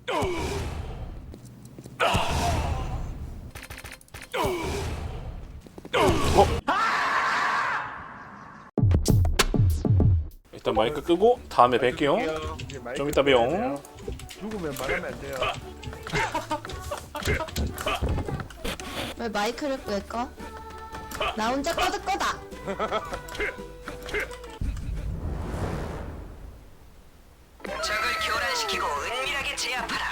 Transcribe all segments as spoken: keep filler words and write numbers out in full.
일단 마이크 끄고 다음에 뵐게요. 좀 이따 봬요. 죽으면 말하면 안 돼요. 왜 마이크를 끄꺼 나 혼자 꺼질 거다. 적을 교란시키고 은밀하게 제압하라.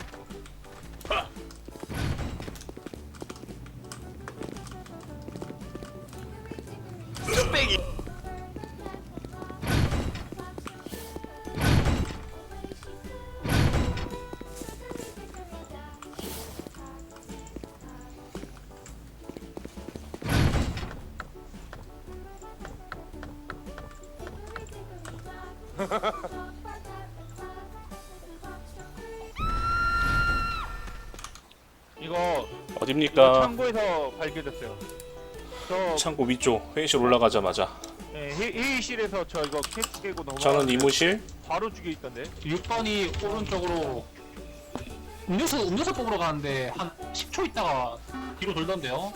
뚝배기. 이거 어딥니까? 창고에서 발견됐어요. 저 창고 위쪽 회의실 올라가자마자 네, 회, 회의실에서 저 이거 캐스 깨고 넘어. 저는 이무실. 바로 죽여 있던데. 육 번이 오른쪽으로 음료수 음료수 뽑으러 가는데 한 십 초 있다가 뒤로 돌던데요.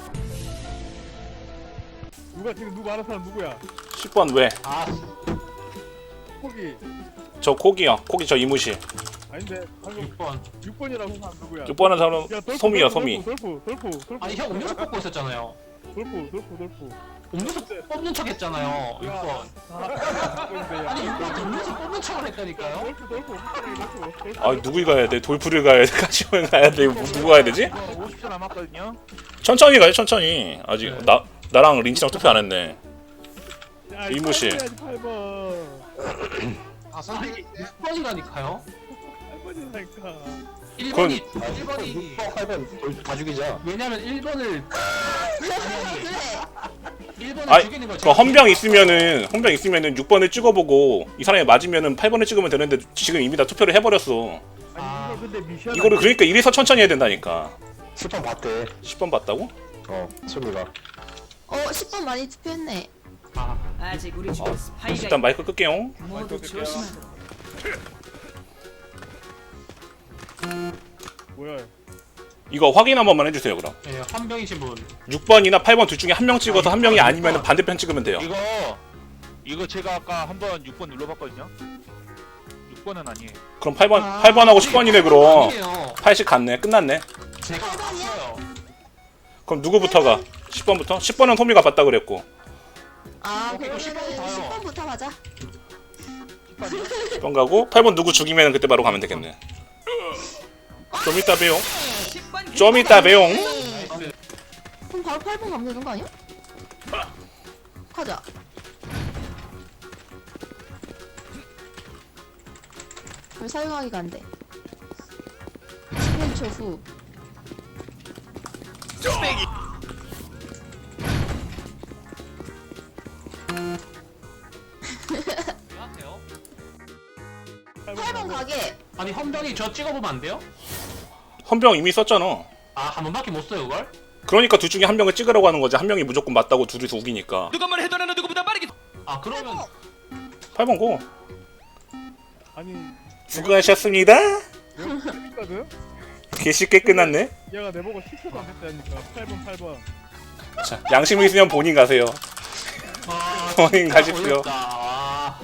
누가 지금 누구 아는 사람 누구야? 십 번 왜? 아, 거기 저 코기요. 코기 저 이무실. 아닌데 방금 육 번. 육 번이라고 사람 누구야? 육 번은 저는 야, 돌프, 소미요 돌프, 소미. 돌프 돌프 돌프 아니 형 음료수 뽑고 있었잖아요. 돌프 돌프 돌프. 음료수 뽑는 척 했잖아요. 육 번. 아니 육 번 음료수 뽑는 척을 했다니까요. 돌프 돌프 돌프 돌프. 아 누구 가야 돼? 돌프를 가야 돼? 가시면 가야 돼? 이거 누구 가야 되지? 오십 초 남았거든요. 천천히 가요 천천히. 아직 네. 나 나랑 린치랑 투표 안 했네. 야, 이무실. 팔 번. 아, 선생님 육 번이라니까요. 팔 번이니까. 일 그건- 번이 일 번이 팔 번 다 죽이자. 왜냐면 일 번을 그래. 일 번을 아이 죽이는 거 그 헌병 있으면은 헌병 있으면은 육 번을 찍어보고 이 사람이 맞으면은 팔 번을 찍으면 되는데 지금 이미 다 투표를 해버렸어. 아. 아니 이거 근데 미션. 이거를 그러니까 이래서 천천히 해야 된다니까. 십 번 봤대. 십 번 봤다고? 어, 소미가. 어, 십 번 많이 투표했네. 아, 아직 우리 중에 스파이가 일단 마이크 끌게요. 모두 조심하도록. 뭐야? 이거 확인 한 번만 해주세요 그럼. 예, 헌병이신 분. 육 번이나 팔 번 둘 중에 한 명 찍어서 한 명이 아니면 반대편 찍으면 돼요. 이거 이거 제가 아까 한번 육 번 눌러봤거든요. 육 번은 아니에요. 그럼 팔 번 팔 번하고 십 번이네 그럼. 아니에요. 팔십 갔네. 끝났네. 제가 봤어요. 그럼 누구부터가? 십 번부터? 십 번은 소미가 봤다 그랬고. 아, 어, 이거 십 번 그러면은 봐요. 십 번부터 가자. 십 번 가고 팔 번 누구 죽이면 그때 바로 가면 되겠네. 좀 이따 봬요. 좀 이따 봬요. 네. 그럼 바로 팔 번 가면 되는 거 아니야? 가자. 왜 사용하기가 안 돼? 십일 초 후. 왜하세요? 팔 번 가게. 아니 헌병이 저 찍어보면 안 돼요? 헌병 이미 썼잖아. 아, 한 번밖에 못 써요 그걸? 그러니까 둘 중에 한 명을 찍으라고 하는 거지. 한 명이 무조건 맞다고 둘이서 우기니까. 누가 뭘 해도 나는 누구보다 빠르게. 아, 그러면 팔 번 고. 아니 수고하셨습니다. 내가 재밌거든. 개 쉽게 끝났네. 얘가 내보고 십 초도 안 됐다니까. 팔 번 팔 번. 자, 양심 있으면 본인 가세요. 아, 본인 진짜 가십시오. 어렵다. 아,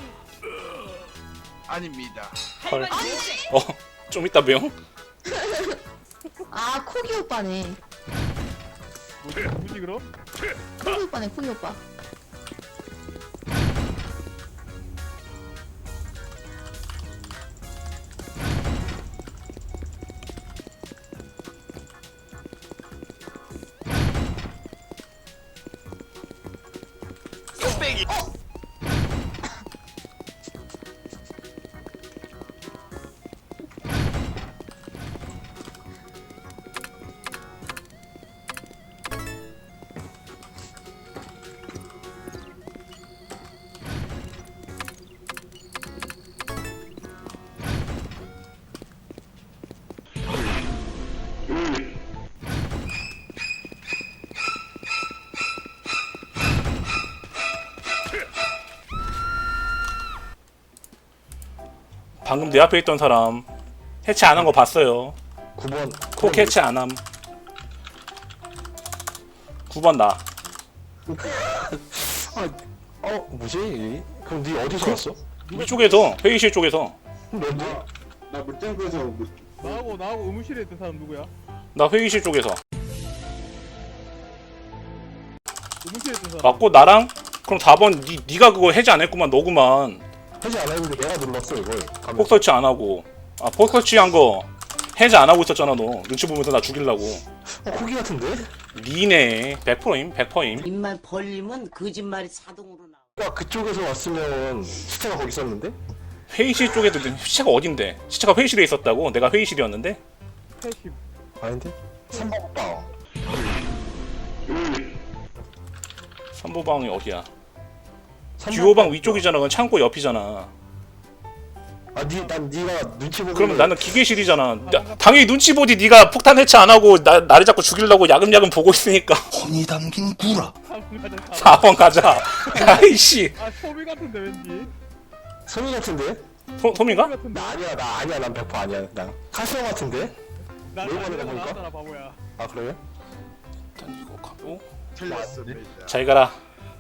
아닙니다. 헐. 어, 좀 이따 봬요. 아, 코기 오빠네. 뭐지 뭐지 그럼? 코기 오빠네, 코기 오빠. 방금 내 앞에 있던 사람 해체 안 한 거 봤어요. 구 번. 콕 해체 안 함. 구 번 나. 아, 어, 뭐지? 그럼 니 어디서 왔어? 이쪽에서 회의실 쪽에서. 뭔데? 나 물탱크에서 물... 나하고 나하고 의무실에 있던 사람 누구야? 나 회의실 쪽에서. 의무실에 있던 사람. 맞고 나랑 그럼 사 번 니 니가 그거 해제 안 했구만 너구만. 해지 안 했는데 내가 눌렀어, 이걸. 가면서. 폭 설치 안 하고. 아, 폭 설치한 거 해제 안 하고 있었잖아 너. 눈치 보면서 나 죽이려고. 어, 코기 같은데? 니네 백 퍼센트임 백 퍼센트임. 입만 벌리면 거짓말이 자동으로 나와. 야, 그쪽에서 왔으면 시체가 거기 있었는데? 회의실 쪽에도 시체가 어딘데? 시체가 회의실에 있었다고? 내가 회의실이었는데? 패십. 아닌데? 삼 번 오빠. 삼보방이 어디야? 삼 번 듀오방 오빠. 위쪽이잖아. 그건 창고 옆이잖아. 아, 니, 난 니가 눈치 보고. 그러면 나는 기계실이잖아. 야, 당연히 눈치 보지. 네가 폭탄 해체 안 하고 나, 나를 자꾸 죽이려고 야금야금 보고 있으니까. 혼이 담긴 구라. 사 번 가자. 야이씨. 아 소미 같은데 왠지. 소미 같은데? 소, 소민가? 같은데. 나 아니야, 나 아니야, 난 백 퍼센트 아니야. 난 카스오 같은데? 나 뭘 보내다 나한테 보니까? 나왔잖아 바보야. 아, 그래요? 일단 이거 가고. 틀렸습니다. 잘 가라.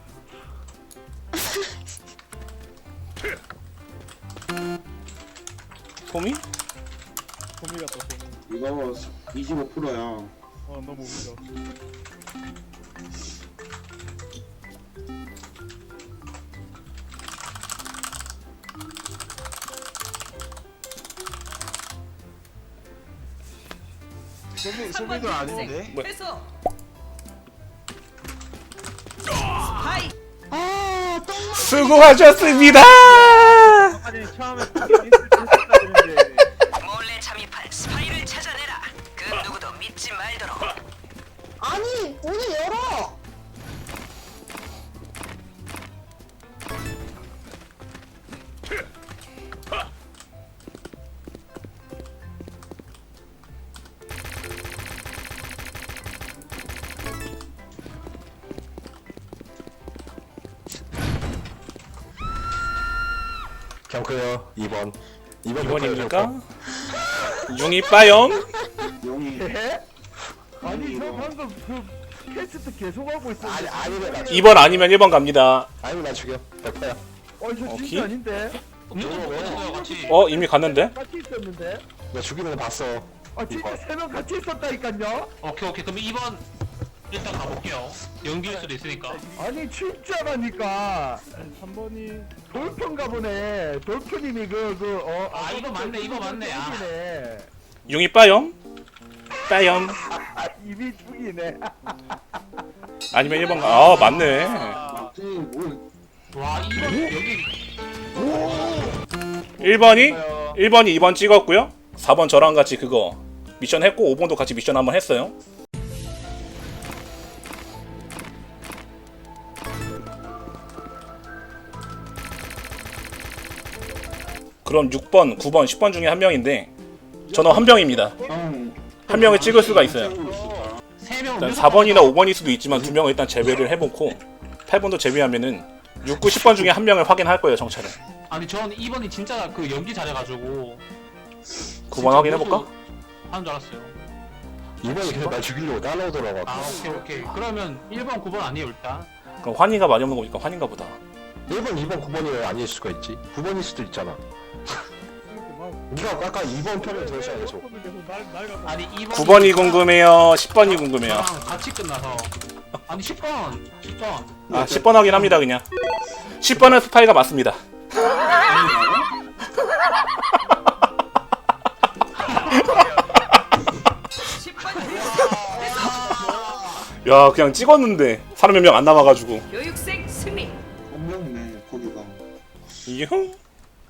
소미? 소미 같다 소미. 이거 이십오 퍼센트야. 어 너무 웃겨. 소미, 소미도 아닌데? 뭐- 회수. 스파이. 아, 똥 수고하셨습니다. 아니 처음에 했었는데. 몰래 잠입한 스파이를 찾아내라. 그 누구도 믿지 말도록. 아니, 오늘 열어. 경크요, 이 번. 이 번 이 번입니까? 융이 빠염. 용이 아니 저 방금 그 캐스트 계속 하고 있었는데. 아니, 아니면 나, 이 번 아니면 일 번 갑니다. 아니면 나 죽여. 백 퍼센트야. 어저 오케이. 진짜 아닌데. 음료수 먹었어요 같이. 어 이미 갔는데? 같이 있었는데. 나 죽이는 거 봤어. 아 진짜 세 명 같이 있었다니까요. 오케이 오케이 그럼 이 번 일단 가볼게요. 연기일 수도 있으니까. 아니 진짜라니까. 삼 번이 돌편가 보네. 돌편님이 그그어 아, 이거 맞네, 이거 맞네. 아. 죽이네. 융이 빠염. 빠염. 아 입이 죽이네. 아니면 일 번 가. 아 맞네. 막지 뭘 와 이 번 여기 일 번이 일 번이 이 번 찍었고요. 사 번 저랑 같이 그거 미션 했고 오 번도 같이 미션 한번 했어요. 그럼 육 번, 구 번, 십 번 중에 한 명인데 저는 한 명입니다. 형. 한 명을 찍을 수가 있어요. 세명 일단 사 번이나 오 번일 수도 있지만 두 명을 일단 제외를 해놓고 팔 번도 제외하면은 육, 구, 십 번 중에 한 명을 확인할 거예요, 정찰은. 아니 전 이 번이 진짜 그 연기 잘해가지고 구 번 확인해볼까? 하는 줄 알았어요. 이 번이 계속 날 죽이려고 따라오더라고. 아 오케이 오케이 그러면 일 번 구 번 아니에요 일단. 그럼 환희가 많이 없는 거니까 환희인가 보다. 일 번, 이 번, 구 번이 왜 아닐 수가 있지? 구 번일 수도 있잖아. 니가 아까 이 번 편을 들었잖아, 계속. 아니 이 번 구 번이 궁금해요, 십 번이 궁금해요. 저랑 같이 끝나서 아니 십 번 십 번 아, 십 번 확인합니다, 그냥. 십 번은 스파이가 맞습니다. 십 번 야, 그냥 찍었는데 사람 몇 명 안 남아가지고. 교육생 승리. 한 명이네 거기가. 이형